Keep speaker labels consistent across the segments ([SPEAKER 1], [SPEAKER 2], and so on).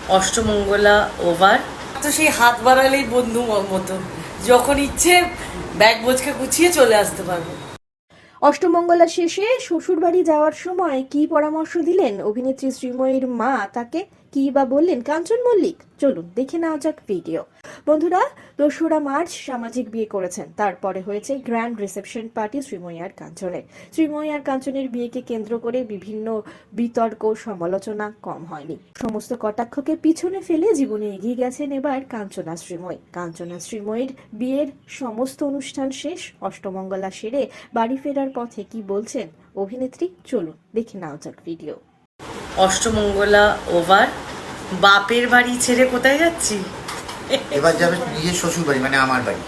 [SPEAKER 1] Ashtamangala over. তো সেই হাত বাড়ালেই বন্ধু মতো, যখন ইচ্ছে ব্যাগ বোঝকে গুছিয়ে চলে আসতে পারবো।
[SPEAKER 2] অষ্টমঙ্গলা শেষে শ্বশুরবাড়ি যাওয়ার সময় কি পরামর্শ দিলেন অভিনেত্রী শ্রীময়ীর মা তাকে, কি বা বললেন কাঞ্চন মল্লিক? চলুন দেখে নেওয়া যাক ভিডিও। বন্ধুরা, 2রা মার্চ সামাজিক বিয়ে করেছেন, তারপরে হয়েছে গ্র্যান্ড রিসেপশন পার্টি শ্রীময়ী আর কাঞ্চনের। শ্রীময়ী আর কাঞ্চনের বিয়েকে কেন্দ্র করে বিভিন্ন বিতর্ক সমালোচনা কম হয়নি। সমস্ত কটাক্ষকে পিছনে ফেলে জীবনে এগিয়ে গেছেন এবার কাঞ্চনা শ্রীময়ী। কাঞ্চনা শ্রীময়ীর বিয়ের সমস্ত অনুষ্ঠান শেষ, অষ্টমঙ্গলা সেরে বাড়ি ফেরার পথে কি বলছেন অভিনেত্রী, চলুন দেখে নাও যাক ভিডিও।
[SPEAKER 1] অষ্টমঙ্গলা ওভার। বাপের বাড়ি ছেড়ে কোথায় যাচ্ছি?
[SPEAKER 3] এবার যাবে নিজের শ্বশুর বাড়ি, মানে আমার বাড়ি।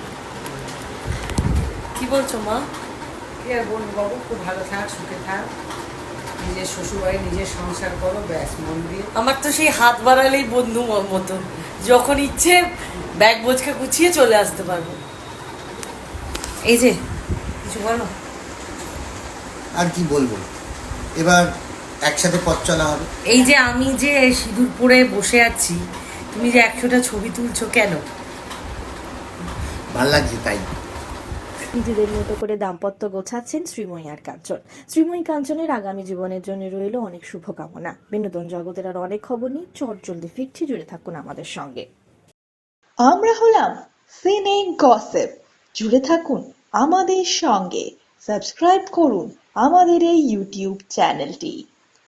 [SPEAKER 1] কি বলছো মা?
[SPEAKER 4] কি আর বলবো বাবু, খুব ভালো থাক, সুখে থাক, নিজের শ্বশুরবাড়ি নিজের সংসার করো, ব্যাস মন দিয়ে।
[SPEAKER 1] আমার তো সেই হাত বাড়ালেই বন্ধু মতো, যখন ইচ্ছে ব্যাগ বোঝকে গুছিয়ে চলে আসতে পারবো। এই যে কিছু বলো।
[SPEAKER 3] আর কি বলবো, এবার একসাথে পথ চলা হবে।
[SPEAKER 1] এই যে আমি যে সিঁদুর পরে বসে আছি, তুমি যে 100টা ছবি তুলছো কেন?
[SPEAKER 3] ভাল লাগছে তাই।
[SPEAKER 2] নিজেদের মতো করে দাম্পত্য গোছাচ্ছেন শ্রীময়ী আর কাঞ্চন। শ্রীময়ী কাঞ্চনের আগামী জীবনের জন্য রইল অনেক শুভকামনা। বিনোদন জগতের আর অনেক খবর নিয়ে চটজলদি ফিরছি, জুড়ে থাকুন আমাদের সঙ্গে।
[SPEAKER 5] আমরা হলাম সিনে গসিপ, জুড়ে থাকুন আমাদের সঙ্গে, সাবস্ক্রাইব করুন আমাদের এই ইউটিউব চ্যানেলটি।